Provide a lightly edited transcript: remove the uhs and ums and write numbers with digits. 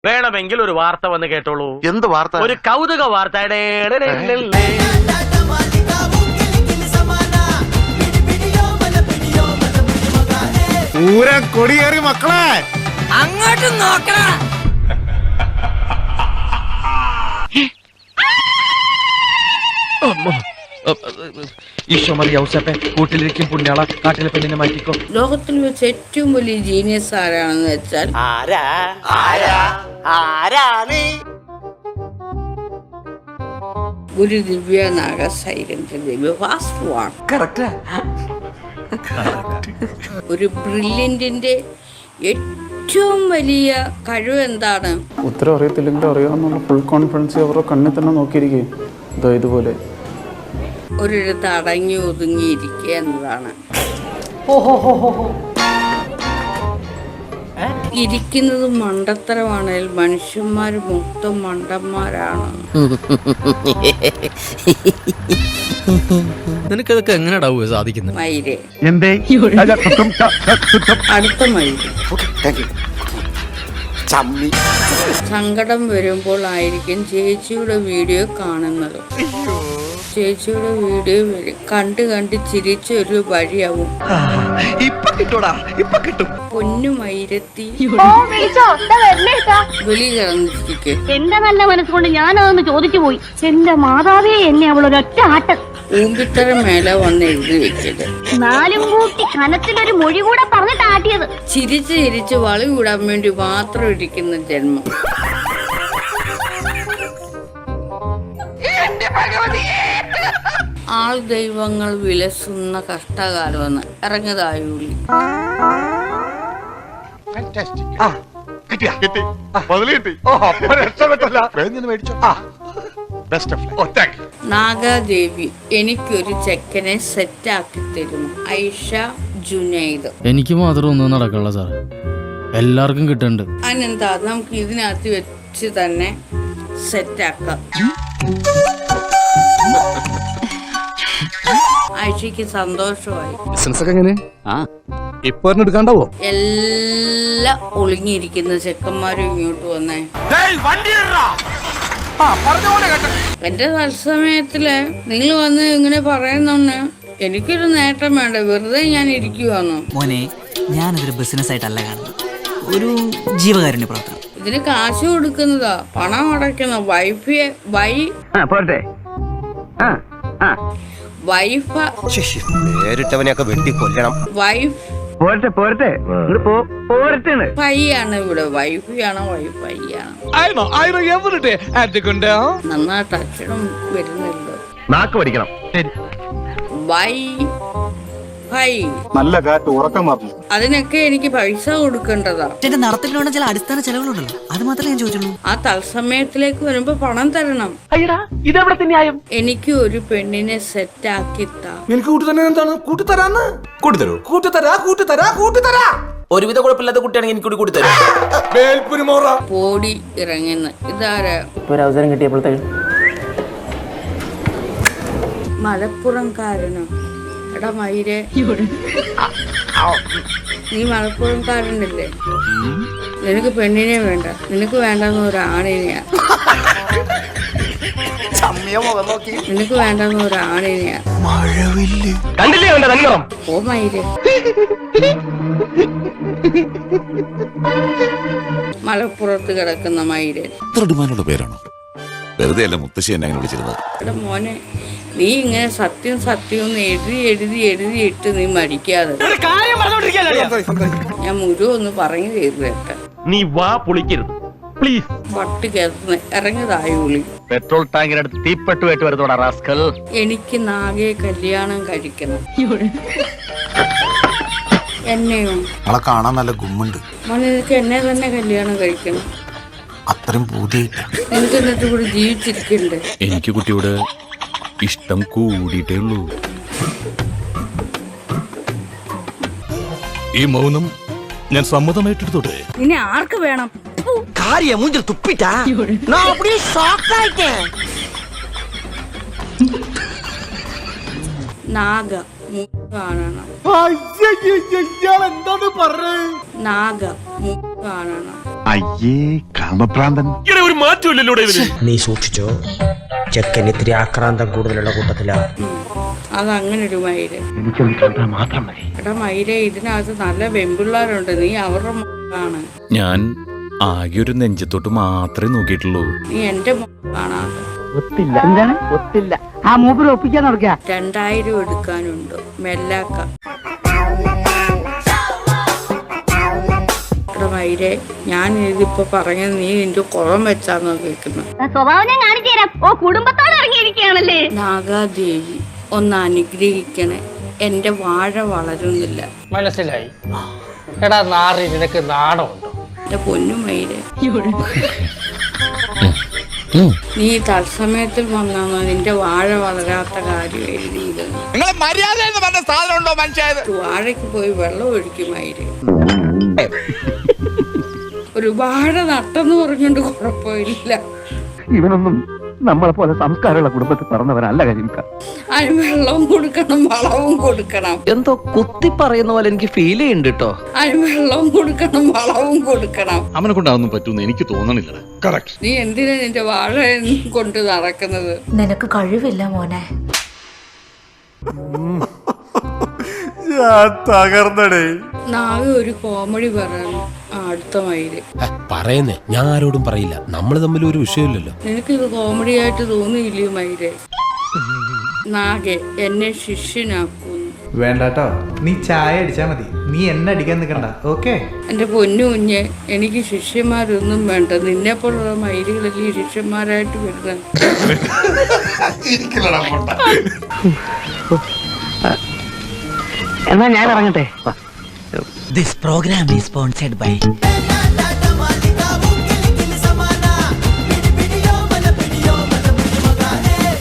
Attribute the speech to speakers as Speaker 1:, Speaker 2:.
Speaker 1: വേണമെങ്കിൽ ഒരു വാർത്ത വന്ന് കേട്ടോളൂ.
Speaker 2: എന്ത് വാർത്ത?
Speaker 1: ഒരു കൗതുക വാർത്ത.
Speaker 3: കൊടിയേറി മക്കളെ
Speaker 4: അങ്ങോട്ട് നോക്കണ.
Speaker 5: കൂട്ടിലിരിക്കും പുണ്യാള കാട്ടിലെ പെണ്ണിനെ മാറ്റിക്കോ.
Speaker 4: ലോകത്തിൽ വെച്ച് ഏറ്റവും വലിയ ജീനിയസ് ആരാണെന്ന് വെച്ചാൽ ഒരു ദിവ്യ നാഗസൈലന്റ് ദിവ്യ ഫാസ്റ്റ് വാൺ. ഒരു ബ്രില്യന്റിന്റെ ഏറ്റവും വലിയ കഴിവ് എന്താണ്?
Speaker 6: ഉത്തരം അറിയത്തില്ലെങ്കിലും അറിയാമെന്നുള്ള ഫുൾ കോൺഫിഡൻസ് അവരുടെ കണ്ണിൽ തന്നെ നോക്കിയിരിക്കും. ഇതുപോലെ
Speaker 4: ഒരിടത്ത് അടങ്ങി ഒതുങ്ങിയിരിക്കുക എന്നതാണ്. ഇരിക്കുന്നത് മണ്ടത്തരമാണെങ്കിൽ മനുഷ്യന്മാർ മൊത്തം മണ്ടന്മാരാണ്.
Speaker 5: നിനക്കതൊക്കെ എങ്ങനെയാ സാധിക്കുന്നത്?
Speaker 4: മയിലേ അടുത്ത മയില് സങ്കടം വരുമ്പോൾ ആയിരിക്കും ചേച്ചിയുടെ വീഡിയോ കാണുന്നത്. ചേച്ചിയുടെ വീഡിയോ കണ്ട് കണ്ട് ചിരിച്ചൊരു വഴിയാവും. പൊന്നുമയിരത്തി വെളി കിടന്നിരിക്കെ
Speaker 7: എന്റെ നല്ല മനസ്സുകൊണ്ട് ഞാനതൊന്ന് ചോദിച്ചു പോയി. എന്റെ മാതാവേ, എന്നെ അവളൊരൊറ്റ ആട്ടം
Speaker 4: ഊമ്പിത്തരം മേലെ വന്ന് എഴുതി വെക്കല്.
Speaker 7: നാലും കൂട്ടി കനത്തിലൊരു മൊഴി കൂടെ പറഞ്ഞിട്ട് ആട്ടിയത്.
Speaker 4: ചിരിച്ച് ചിരിച്ച് വളി കൂടാൻ വേണ്ടി മാത്രം ഇരിക്കുന്ന ജന്മം. ആൾ ദൈവങ്ങൾ വിലസുന്ന കഷ്ടകാലമെന്ന് ഇറങ്ങതായുള്ളി. നാഗാദേവി എനിക്കൊരു ചെക്കനെ സെറ്റാക്കി തരുന്നു. ഐഷ ജുനൈദ്.
Speaker 5: എനിക്ക് മാത്രം ഒന്നും നടക്കല്ല സാർ, എല്ലാവർക്കും കിട്ടുന്നുണ്ട്.
Speaker 4: അതിനെന്താ, നമുക്ക് ഇതിനകത്ത് വെച്ച് തന്നെ സെറ്റാക്കാം. ഐഷയ്ക്ക് സന്തോഷമായി. എല്ലാം ഒളിഞ്ഞിരിക്കുന്ന ചെക്കന്മാരും ഇങ്ങോട്ട് വന്നേ. എന്റെ തത്സമയത്തില് നിങ്ങൾ വന്ന് ഇങ്ങനെ പറയുന്നോന്ന് എനിക്കൊരു നേട്ടം വേണ്ട, വെറുതെ ഞാൻ ഇരിക്കുവാന്നോ?
Speaker 8: മോനെ, ഞാനതൊരു ബിസിനസ് ആയിട്ടല്ല കാണുന്നത്, ഒരു ജീവകാരുണ്യ പ്രവർത്തനം.
Speaker 4: ഇതിന് കാശ് കൊടുക്കുന്നതാ, പണം അടയ്ക്കുന്ന വൈഫിയെ പയ്യാണ് ഇവിടെ. വൈഫിയാണോ വൈഫൈയാണ്? നന്നായിട്ട് അക്ഷരം വരുന്നല്ലോ.
Speaker 2: നാക്ക് പഠിക്കണം.
Speaker 3: നല്ല കാറ്റ് ഉറക്കം വന്നു.
Speaker 4: അതിനൊക്കെ എനിക്ക് പൈസ കൊടുക്കേണ്ടതാ.
Speaker 8: നടത്തിലുള്ള ചില അടിസ്ഥാന ചെലവുകളുണ്ടല്ലോ, അത് മാത്രമേ ഞാൻ ചോദിച്ചുള്ളൂ.
Speaker 4: ആ തത്സമയത്തിലേക്ക് വരുമ്പോ പണം തരണം. എനിക്ക് ഒരു പെണ്ണിനെ സെറ്റ് ആക്കി താ.
Speaker 3: എനിക്ക് കൂട്ടുതന്നെ എന്താണ്? കൂട്ടിത്തരാന്ന്. കൂട്ടിത്തരൂ. കൂട്ടിത്തരാ.
Speaker 8: ഒരുവിധ കുഴപ്പമില്ലാത്ത കുട്ടിയാണെങ്കിൽ എനിക്ക് കൂടി
Speaker 4: പോടി ഇറങ്ങുന്ന ഇതാരാ?
Speaker 8: ഒരവസരം കിട്ടിയപ്പോഴത്തേക്ക്
Speaker 4: മലപ്പുറംകാരനോ? എടാ മയിരെ, നീ മലപ്പുറംകാരനല്ലേ? നിനക്ക് പെണ്ണിനെ വേണ്ട, നിനക്ക് വേണ്ടെന്ന് ഒരാണിനെയാ. നിനക്ക് വേണ്ടെന്ന് ഒരാണിനെയാ. ഓ മയിരെ, മലപ്പുറത്ത് കിടക്കുന്ന മയിരെ.
Speaker 9: പേരാണോ? വെറുതെ അല്ല മുത്തശ്ശി എന്നെ അങ്ങനെ വിളിച്ചിരുന്നത്.
Speaker 4: എടാ മോനെ, നീ ഇങ്ങനെ സത്യം എഴുതിയിട്ട് നീ മടിക്കാതെ. ഞാൻ മുഴുവൻ ഒന്ന് പറഞ്ഞു തരുവേട്ടെ.
Speaker 1: നീ വാ പൊളിക്കരുത് പ്ലീസ്.
Speaker 4: പട്ട് കേർന്ന് ഇറങ്ങതായുള്ളി.
Speaker 1: Petrol ടാങ്കിനടുത്ത് തീപ്പെട്ടുമായിട്ട് വരുന്നോടാ rascal.
Speaker 4: എനിക്ക് നാഗയെ കല്യാണം കഴിക്കണം. എന്നെയോ?
Speaker 9: അവളെ കാണാൻ നല്ല ഗുമ്മുണ്ട്.
Speaker 4: മോനെ, നിനക്ക് എന്നെ തന്നെ കല്യാണം കഴിക്കണം.
Speaker 9: അത്രയും പൂതിയായിട്ട.
Speaker 4: എനിക്ക് എന്നിട്ട് കൂടി ജീവിച്ചിരിക്കണ്ടേ?
Speaker 9: എനിക്ക് കുട്ടിയോട് ഇഷ്ടം കൂടിയിട്ടേ ഉള്ളൂ. ഈ മൗനം ഞാൻ സമ്മതമായിട്ടെടുത്തോട്ടെ.
Speaker 4: ഇനി ആർക്ക് വേണം?
Speaker 8: മൂഞ്ചിൽ തുപ്പിട്ടാ
Speaker 4: നാഗ കാണണം.
Speaker 3: എന്താണ് പറഞ്ഞത്?
Speaker 4: നാഗ കാണണം.
Speaker 3: അയ്യേ കാമപ്രാന്തൻ.
Speaker 1: ഒരു മാറ്റമില്ലല്ലോ ഇതിന്.
Speaker 2: നീ സൂക്ഷിച്ചോ, ചെക്കൻ ഇത്തിരി ആക്രാന്തം കൂടുതലുള്ള കൂട്ടത്തിലാ.
Speaker 4: അതങ്ങനെ ഒരു മയില്. എടാ മയിലെ, ഇതിനകത്ത് നല്ല വെമ്പിള്ളാരുണ്ട്, നീ അവരുടെ ആണ്.
Speaker 10: ഞാൻ ആകെ ഒരു നെഞ്ചത്തോട്ട് മാത്രമേ നോക്കിയിട്ടുള്ളൂ.
Speaker 4: നീ എന്റെ കാണാതെ.
Speaker 7: എന്താണ് ഒത്തില്ല ആ മൂപ്പര് ഒപ്പിക്കാൻ നടക്കുക.
Speaker 4: 2000 എടുക്കാനുണ്ട് മെല്ലാക്ക. എടാ മയിലെ, ഞാൻ ഇതിപ്പോ പറഞ്ഞത് നീ നിന്റെ കുളം വെച്ചാന്നോ കേൾക്കുന്നത്.
Speaker 7: സ്വഭാവം ഞാൻ കാണിച്ചു തരാം. ഓ കുടുംബത്തോടെ ഇറങ്ങിയിരിക്കുകയാണല്ലേ.
Speaker 4: നാഗാദേവി ഒന്ന് അനുഗ്രഹിക്കണേ, എന്റെ വാഴ വളരുന്നില്ല.
Speaker 1: മനസ്സിലായി. എടാ നാറി, നിനക്ക് നാണമുണ്ടോ?
Speaker 4: എന്റെ പൊന്നുമയിലെ, നീ തത്സമയത്തിൽ വന്നാണോ നിന്റെ വാഴ വളരാത്ത കാര്യം എഴുതിയത്? വാഴയ്ക്ക് പോയി വെള്ളം ഒഴിക്കുമായിര്. ഒരു വാഴ നട്ടെന്ന് പറഞ്ഞോണ്ട് കുഴപ്പമില്ല.
Speaker 3: ഇവനൊന്നും നമ്മളെ പോലെ സംസ്കാരമുള്ള കുടുംബത്തിൽ പറഞ്ഞവനല്ല കരിമിക്ക.
Speaker 4: അതിന് വെള്ളവും കൊടുക്കണം, വളവും കൊടുക്കണം.
Speaker 8: എന്തോ കുത്തി പറയുന്ന പോലെ എനിക്ക് ഫീൽ ചെയ്യുന്നുണ്ട് കേട്ടോ.
Speaker 4: അതിന് വെള്ളവും കൊടുക്കണം, വളവും കൊടുക്കണം.
Speaker 10: അവനെ കൊണ്ടാതൊന്നും പറ്റൂന്ന് എനിക്ക് തോന്നണില്ല.
Speaker 4: നീ എന്തിനാ നിന്റെ വാഴ കൊണ്ട് നടക്കുന്നത്?
Speaker 7: നിനക്ക് കഴിവില്ല മോനെ.
Speaker 3: തകർന്നടേ.
Speaker 4: നാളെ ഒരു കോമഡി പറയാൻ അടുത്ത മയില്.
Speaker 2: പറയുന്നേ, ഞാൻ ആരോടും പറയില്ല, നമ്മൾ തമ്മിൽ ഒരു വിഷയമില്ലല്ലോ.
Speaker 4: നിനക്ക് ഇത് കോമഡി ആയിട്ട് തോന്നിയില്ലേ മയിലെ? നാഗെ എന്നെ ശിഷ്യനാക്കുന്നു.
Speaker 6: വേണ്ടാട്ടോ, നീ ചായ അടിച്ചാ മതി, നീ എന്നെ അടിക്കാൻ നിൽക്കണ്ട. ഓക്കെ
Speaker 4: എന്റെ പൊന്നു കുഞ്ഞെ, എനിക്ക് ശിഷ്യന്മാരൊന്നും വേണ്ട. നിന്നെ പോലുള്ള മയിലുകളല്ലേ ശിഷ്യന്മാരായിട്ട് വരുന്നത്.
Speaker 8: എന്നാ ഞാൻ ഇറങ്ങട്ടെ. This program is sponsored by